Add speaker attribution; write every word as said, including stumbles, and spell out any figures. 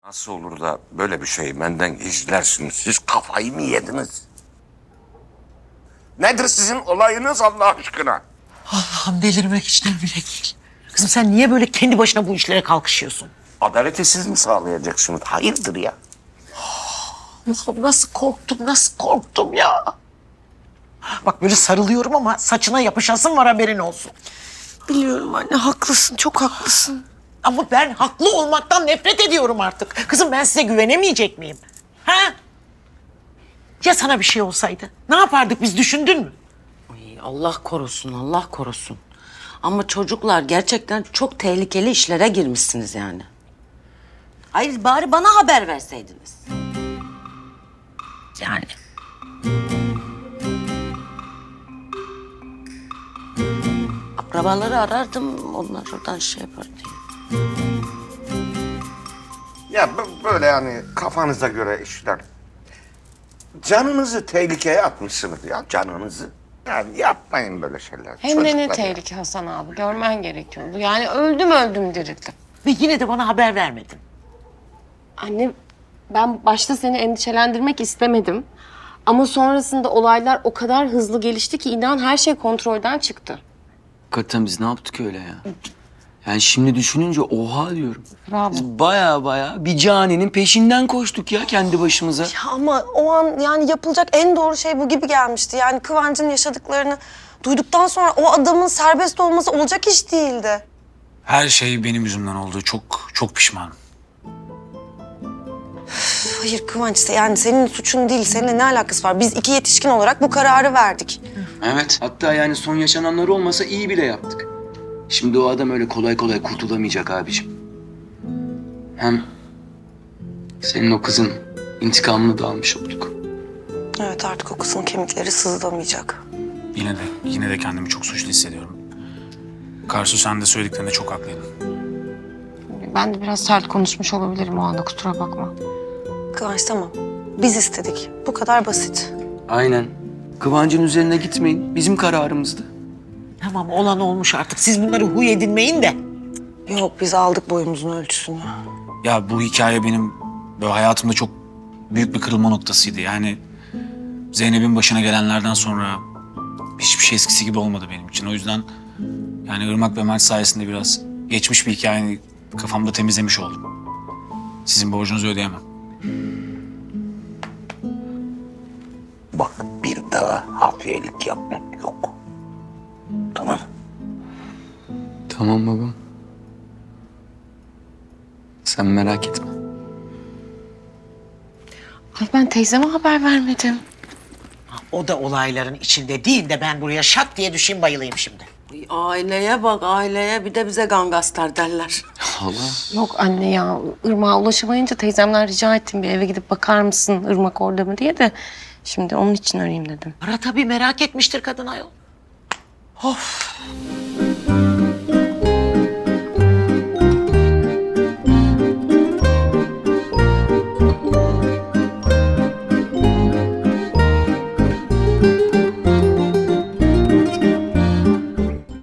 Speaker 1: Nasıl olur da böyle bir şeyi benden gizlersiniz? Siz kafayı mı yediniz? Nedir sizin olayınız Allah aşkına?
Speaker 2: Allah'ım delirmek içten bile değil. Kızım sen niye böyle kendi başına bu işlere kalkışıyorsun?
Speaker 1: Adaleti siz mi sağlayacaksınız? Hayırdır ya?
Speaker 2: Allah'ım nasıl korktum, nasıl korktum ya. Bak böyle sarılıyorum ama saçına yapışasın var haberin olsun.
Speaker 3: Biliyorum anne, haklısın, çok haklısın.
Speaker 2: Ama ben haklı olmaktan nefret ediyorum artık. Kızım ben size güvenemeyecek miyim? Ha? Ya sana bir şey olsaydı? Ne yapardık biz düşündün mü?
Speaker 4: Ay, Allah korusun, Allah korusun. Ama çocuklar gerçekten çok tehlikeli işlere girmişsiniz yani. Hayır, bari bana haber verseydiniz.
Speaker 2: Yani.
Speaker 4: Akrabaları arardım, onlar oradan şey yapar diye.
Speaker 1: Ya b- böyle yani kafanıza göre işler. Canınızı tehlikeye atmışsınız ya, canınızı. Yani yapmayın böyle şeyler.
Speaker 5: Hem de ne
Speaker 1: Çocuklar ya.
Speaker 5: tehlike Hasan abi. Görmen gerekiyordu. Yani öldüm öldüm dirildim.
Speaker 2: Ve yine de bana haber vermedin.
Speaker 5: Anne ben başta seni endişelendirmek istemedim. Ama sonrasında olaylar o kadar hızlı gelişti ki inan her şey kontrolden çıktı.
Speaker 6: Hakikaten biz ne yaptık öyle ya? Yani şimdi düşününce oha diyorum.
Speaker 5: Bravo.
Speaker 6: Biz baya baya bir caninin peşinden koştuk ya kendi başımıza.
Speaker 3: Ya ama o an yani yapılacak en doğru şey bu gibi gelmişti. Yani Kıvanç'ın yaşadıklarını duyduktan sonra o adamın serbest olması olacak iş değildi.
Speaker 7: Her şey benim yüzümden oldu. Çok çok pişmanım.
Speaker 3: Hayır Kıvanç, yani senin suçun değil, seninle ne alakası var? Biz iki yetişkin olarak bu kararı verdik.
Speaker 6: Evet. Hatta yani son yaşananlar olmasa iyi bile yaptık. Şimdi o adam öyle kolay kolay kurtulamayacak abiciğim. Hem senin o kızın intikamını da almış olduk.
Speaker 3: Evet, artık o kızın kemikleri sızlamayacak.
Speaker 7: Yine de yine de kendimi çok suçlu hissediyorum. Karsu sen de söylediklerinde çok haklıydın.
Speaker 5: Ben de biraz sert konuşmuş olabilirim o anda, kusura bakma.
Speaker 3: Kıvanç tamam, biz istedik. Bu kadar basit.
Speaker 6: Aynen. Kıvancın üzerine gitmeyin. Bizim kararımızdı.
Speaker 2: Tamam olan olmuş artık. Siz bunları huy edinmeyin de.
Speaker 3: Yok, biz aldık boyumuzun ölçüsünü.
Speaker 7: Ya bu hikaye benim böyle hayatımda çok büyük bir kırılma noktasıydı. Yani Zeynep'in başına gelenlerden sonra hiçbir şey eskisi gibi olmadı benim için. O yüzden yani Irmak ve Mert sayesinde biraz geçmiş bir hikayeyi kafamda temizlemiş oldum. Sizin borcunuzu ödeyemem.
Speaker 1: Bak bir daha hafiyelik yapmak yok. Tamam.
Speaker 6: Tamam babam. Sen merak etme.
Speaker 5: Ay ben teyzeme haber vermedim.
Speaker 2: O da olayların içinde değil de ben buraya şak diye düşeyim bayılayım şimdi.
Speaker 4: Ay, aileye bak, aileye. Bir de bize gangastar derler.
Speaker 6: Hala.
Speaker 5: Yok anne ya, Irmak'a ulaşamayınca teyzemden rica ettim bir eve gidip bakar mısın Irmak orada mı diye de. Şimdi onun için arayayım dedim.
Speaker 2: Ara tabii merak etmiştir kadın ayol. Of.